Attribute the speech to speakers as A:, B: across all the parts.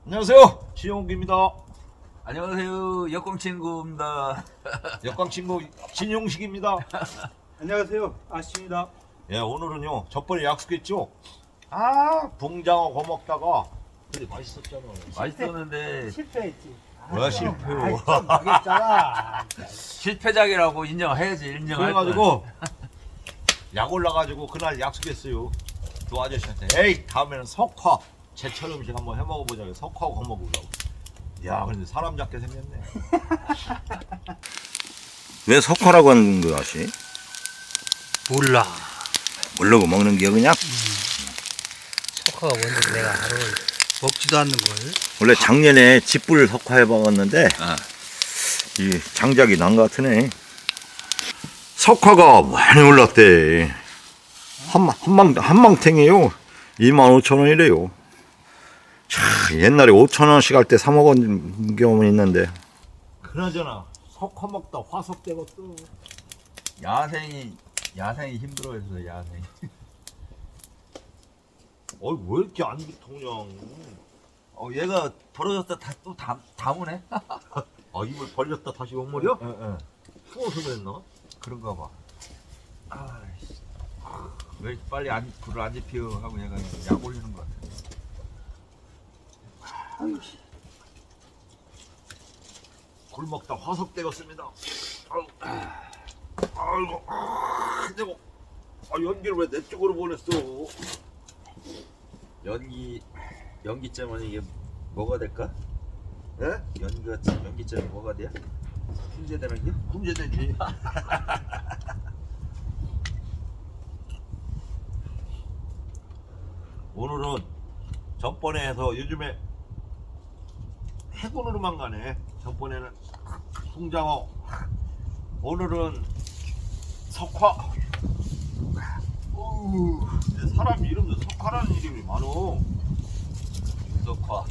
A: 안녕하세요, 진용기입니다.
B: 안녕하세요. 역광친구입니다.
A: 역광친구 진용식입니다.
C: 안녕하세요. 아씨입니다.
A: 예, 오늘은요, 저번에 약속했죠? 붕장어 거 먹다가 근데 맛있었잖아.
B: 맛있었는데
C: 실패했지.
A: 왜 실패요?
C: 좀 망했잖아.
B: 실패작이라고 인정해야지. 인정할 거야.
A: 그래가지고 약 올라가지고 그날 약속했어요. 두 아저씨한테 에이 다음에는 석화 제철 음식 한번 해 먹어보자. 석화하고 거 먹으려고. 야, 근데 사람 잡게 생겼네.
D: 왜 석화라고 하는 거 아시?
C: 몰라.
D: 모르고 먹는 게 그냥
C: 석화가 뭔지 내가 알아. 먹지도 않는 걸.
D: 원래 작년에 집불 석화 해봤는데 이 장작이 난 것 같으네. 석화가 많이 올랐대. 한망탱이에요. 25,000원이래요. 옛날에 5,000원씩 할 때 사 먹은 경험은 있는데.
A: 그나저나 석화 먹다 화석 되겠어.
B: 야생이 힘들어했어. 야생.
A: 왜 이렇게 안 통냐?
B: 얘가 벌어졌다 또 다무네.
A: 입을 벌렸다 다시 온물이요? 예. 추워서 그랬나?
B: 그런가 봐. 왜 이렇게 빨리 불을 안 지피어 하고 얘가 약 올리는 것 같아.
A: 굴 먹다 화석 되었습니다. 아이고, 근데 연기를 왜 내 쪽으로 보냈어?
B: 연기점은 이게 뭐가 될까?
A: 예?
B: 연기점이 뭐가 돼? 훈제되는 게?
A: 문제되지. 오늘은 전번에 해서 요즘에 해군으로만 가네. 전번에는 붕장어, 오늘은 석화. 근데 사람 이름도 석화라는 이름이 많어.
B: 석화.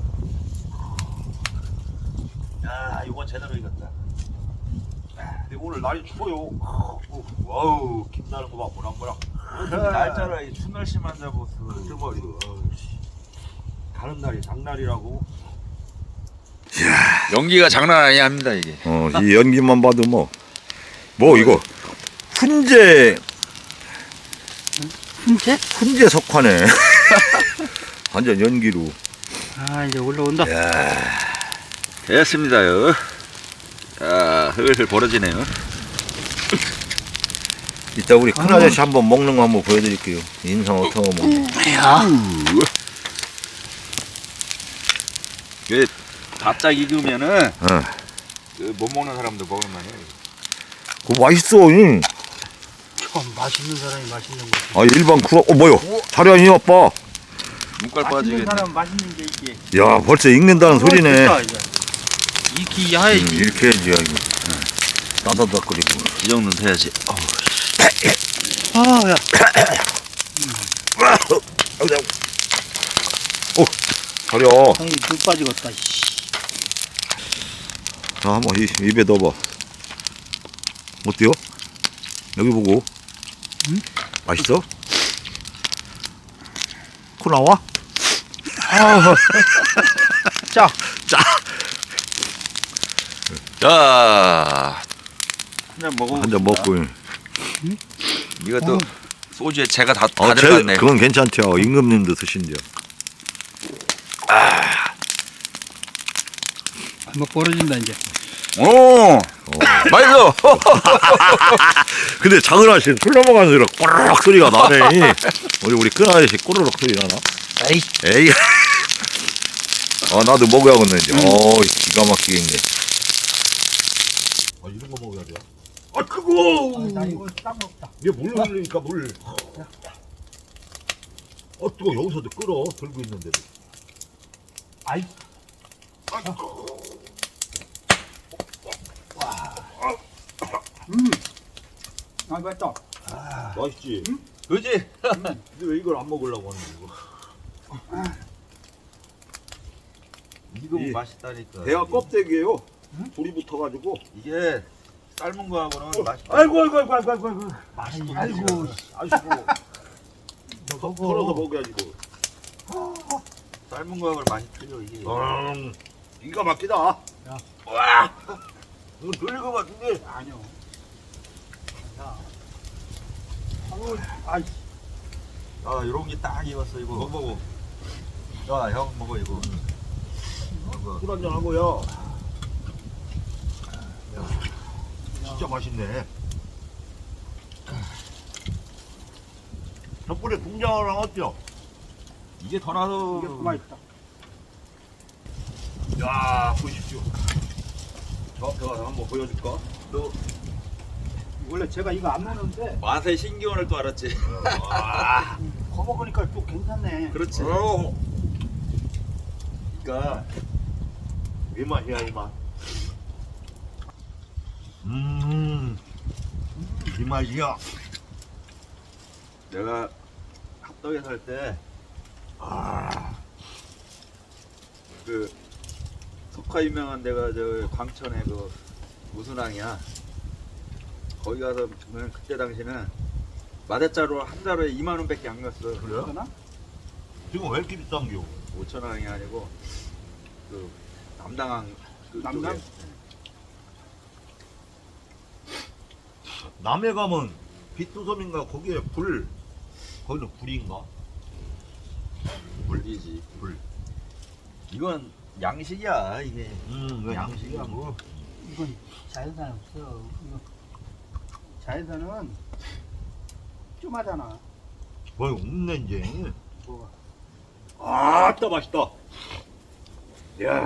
A: 야, 이건 제대로 익었다. 근데 오늘 날이 추워요. 와우, 김나는 거 봐, 모락모락.
B: 날짜라 이 추운 날씨만 잡았어.
A: 정말 이거 가는 날이 장날이라고.
B: 연기가 장난 아니합니다 이게.
D: 이 연기만 봐도 뭐 이거 훈제 석화네. 완전 연기로.
C: 이제 올라온다.
B: 됐습니다요. 자, 흘흘 벌어지네요.
D: 이따 우리 큰 아저씨 한번 먹는 거 한번 보여드릴게요. 인상 어떤 거 먹는 거.
B: 그 바짝 익으면은
D: 어.
B: 못 먹는 사람도 먹을 만해.
D: 그거 맛있어.
C: 참 맛있는 사람이 맛있는 거지.
D: 일반 구라. 뭐요? 자리 아니 아빠.
B: 눈깔
C: 맛있는
B: 빠지겠네.
C: 사람 맛있는 게 이게.
D: 야, 벌써 익는다는 소리네.
C: 됐다, 이제. 익히 해야지.
D: 이렇게 해야지. 야, 이거. 따다닥거리고.
B: 이 정도는 돼야지.
C: 야.
D: 자려.
C: 눈 빠지겠다. 씨.
D: 자, 한번 입에 넣어봐. 어때요? 여기 보고. 맛있어? 코 나와?
C: 자,
B: 자, 한잔 먹어.
D: 한 잔 먹고.
B: 이것도 소주에 제가 다
D: 제,
B: 들어갔네.
D: 그건 괜찮대요. 임금님도 드신대요.
C: 한번 벌어진다 이제.
B: 오, 맛있어.
D: 근데 작은 아저씨 술 넘어가는 소리가 꼬르륵 소리가 나네. 우리 큰 아저씨 꼬르륵 소리 나나? 에이. 나도 먹어야겠네, 이제. 기가 막히게 있네.
A: 이런 거 먹어야 돼. 뜨거워.
C: 나 이거 딱 먹다.
A: 이게 물 흘리니까 물. 뜨거. 여기서도 끓어. 들고 있는데도.
C: 아이. 맛있다.
A: 맛있지?
B: 그지?
A: 근데 왜 이걸 안 먹으려고 하는 거야?
B: 이거
A: 이
B: 맛있다니까.
A: 대하 껍데기예요. 불이 붙어가지고.
B: 이게 삶은 거하고는 맛이.
A: 아이고.
C: 맛있고.
A: 아이고. 털어서 먹어야지 뭐.
B: 삶은 거하고 많이 틀려 이게.
A: 기가 막히다. 와, 이거 돌릴 것 같은데.
C: 아니요. 야. 아우, 아이.
B: 아 이런 게 딱 익었어 이거.
A: 먹어.
B: 야 형 먹어 이거.
A: 술 한잔 하고요. 진짜 맛있네. 덕분에 궁장어랑 어때요?
B: 이게 더 나서.
C: 이게 그만 있다.
A: 야, 보십시오. 저한테 가서 한번 보여줄까? 또
C: 원래 제가 이거 안 먹는데
B: 맛에 신기원을 또 알았지.
A: 와,
C: 거먹으니까 또 괜찮네.
B: 그렇지.
A: 그러니까 이 맛이야 이 맛. 이 맛이야.
B: 내가 합덕에 살 때 그 석화 유명한 데가 저 광천에 그 무순항이야. 거기 가서 보면 그때 당시는 마대자루 한 자루에 2만 원밖에 안 갔어.
A: 그래요?
C: 그러나?
A: 지금 왜 이렇게 비싼겨?
B: 5천원이 아니고 그 남당항 그
C: 남당?
B: 쪽에.
A: 남해 가면 비투섬인가 거기에 굴. 거기는 굴인가?
B: 물이지.
A: 굴.
B: 이건 양식이야 이게.
A: 왜 양식이야 뭐?
C: 이건 자연산 없어. 이거 자연산은 쫌하잖아.
A: 뭐 없네 이제.
C: 뭐가?
A: 아따 맛있다. 야,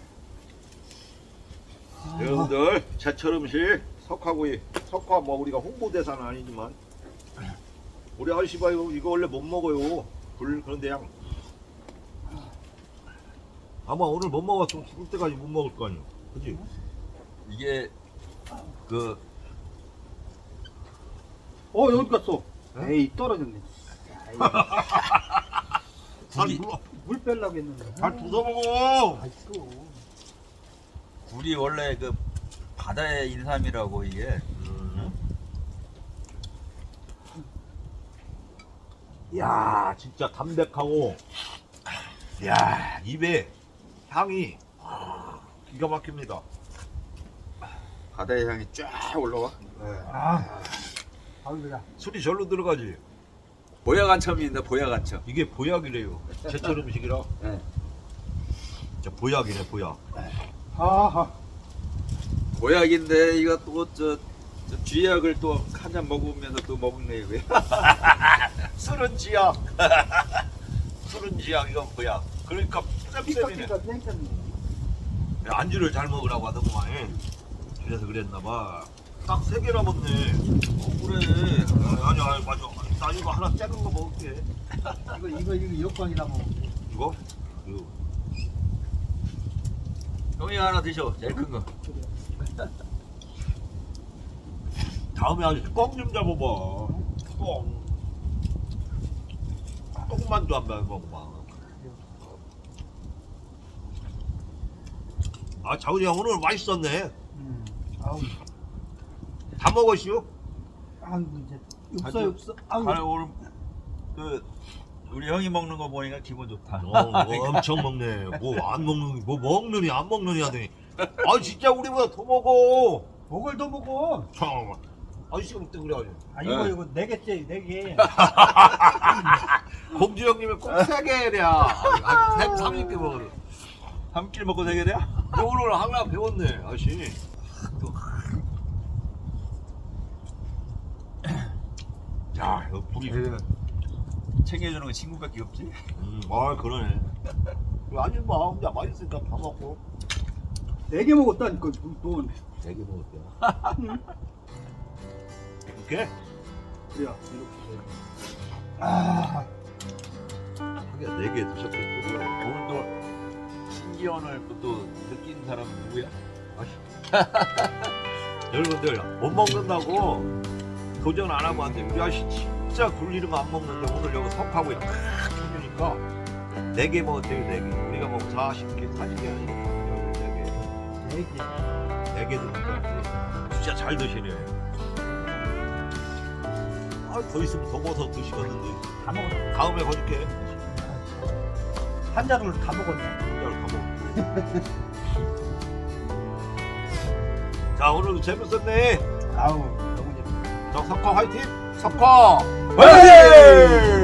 A: 여러분들 제철 음식 석화구이. 석화 뭐 우리가 홍보대사는 아니지만 우리 아저씨 봐요 이거 원래 못 먹어요. 굴 그런데 양 아마 오늘 못 먹었으면 죽을 때까지 못 먹을 거 아니야. 그지?
B: 이게 그
C: 여기 갔어. 에이 떨어졌네.
A: 잘
C: 물 빼려고 했는데.
A: 잘 부숴 먹어.
C: 맛있어.
B: 굴이 원래 그 바다의 인삼이라고 이게.
A: 야 진짜 담백하고 야 입에 향이 기가 막힙니다.
B: 바다의 향이 쫙 올라와.
C: 아우야.
A: 술이 절로 들어가지.
B: 보약안첨입니다. 보약안첨.
A: 이게 보약이래요. 제철 음식이라.
B: 네.
A: 진짜 보약이네 보약.
C: 아하.
B: 보약인데 이거 또 저 쥐약을 또 한 잔 먹으면서 또 먹네 이거.
A: 술은 지약. 술은 지약 이건 보약. 그러니까 쌤쌤이네.
C: 피카피카 땡겼네.
A: 안주를 잘 먹으라고 하더구만. 그래서 그랬나봐. 딱 3개나 먹네.
B: 그래.
A: 아니 맞아. 나 이거 하나 작은 거 먹을게.
C: 이거 역광이다 뭐.
A: 이거? 이거.
B: 형이 하나 드셔. 제일 큰 거.
A: 다음에 아저씨 꽁좀 잡아봐. 꽁. 꽁만두 한번 먹어봐. 아 자훈이 형 오늘 맛있었네.
C: 아우.
A: 다 먹었슈?
C: 아우 이제 없어
B: 아주-
C: 없어. 아우.
B: 아니 오늘 그 우리 형이 먹는 거 보니까 기분 좋다.
A: 엄청 먹네. 뭐 안 먹는, 뭐 먹느니 안 먹느니 하더니. 아 진짜 우리보다 더 먹어.
C: 먹을 더 먹어.
A: 참. 아저씨가 먹대 그래가지고.
C: 아 이거
B: 네.
C: 이거 4개째 4개.
A: 공주 형님이 꼭 3개 해야. 한 3개 먹으래.
B: 한 끼 먹고 되게 돼요?
A: 오늘 하나 배웠네 아저씨. 야 이거 불이.
B: 챙겨주는 거 친구밖에 없지?
A: 아 그러네. 아니 뭐 혼자 맛있으니까 다 먹고.
C: 4개 먹었다니까 돈.
A: 4개 먹었대요. 이렇게?
C: 그래야 이렇게.
A: 하긴 4개 드셨겠죠.
B: 오늘 또 신기원을 또 느낀 사람은 누구야?
A: 여러분들 못 먹는다고 도전 안 하면 안 돼. 우리 아저씨 진짜 굴리는 거 안 먹는데 오늘 여기 석하고 탁 쳐주니까 4개 먹었대요. 4개. 우리가 뭐 40개, 40개 아니니까 4개.
C: 4개.
A: 4개 드니까 진짜 잘 드시네. 아, 더 있으면 더 먹어서 드시겠는데.
C: 다 먹었어.
A: 다음에 거줄게.
C: 한 잔을 다 먹었네.
A: 한잔 가먹고. 자 오늘도 재밌었네.
C: 아우 너무 재밌어.
A: 자 석화 화이팅. 석화 화이팅.